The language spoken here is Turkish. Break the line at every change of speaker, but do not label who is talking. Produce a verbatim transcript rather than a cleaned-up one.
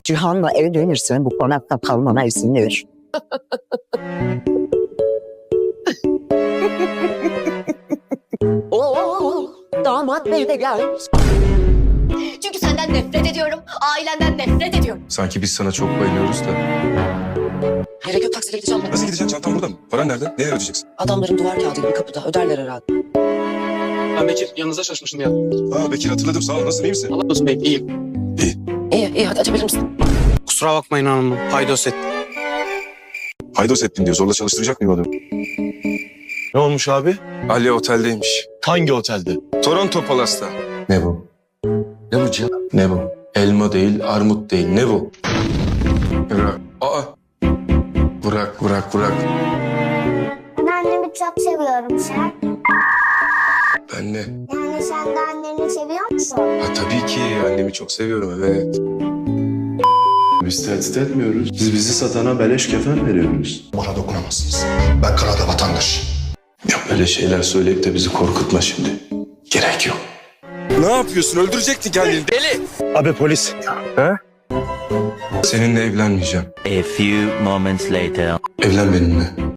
Cihan'la evlenirsen bu konakta kalmana izin ver.
Oo, damat bey de gelmiş.
Çünkü senden nefret ediyorum, ailenden nefret ediyorum.
Sanki biz sana çok bayılıyoruz da.
Gerek yok, taksiyle gideceğim ben.
Nasıl gideceksin? Çantan burada mı? Paran nerede? Neye ödeyeceksin?
Adamların duvar kağıdı gibi kapıda, öderler herhalde.
Ben Bekir, yanınıza çalışmıştım ya.
Aa Bekir hatırladım. Sağ ol. Nasılsın? İyi misin?
Allah olsun bey, iyiyim.
İyi, iyi, hadi açabilir misin?
Kusura bakmayın hanımım, paydos ettim.
Haydos ettin diyor. Zorla çalıştıracak mıyım adamı?
Ne olmuş abi?
Ali oteldeymiş.
Hangi otelde?
Toronto Palas'ta. Ne bu? Ne bu Cihan? Ne bu? Elma değil, armut değil. Ne bu? Bırak. Aa. Bırak, bırak, bırak.
Ben annemi çok seviyorum sen.
Ben ne?
Yani sen de anneni seviyor musun?
Ha tabii ki. Annemi çok seviyorum. Evet.
Biz tehdit etmiyoruz. Biz bizi satana beleş kefen veriyoruz.
Bana dokunamazsınız. Ben Kanada vatandaş.
Ya böyle şeyler söyleyip de bizi korkutma şimdi. Gerek yok. Ne yapıyorsun? Öldürecektin kendini. Deli.
Abi polis.
Seninle evlenmeyeceğim.
A few moments later.
Evlen benimle.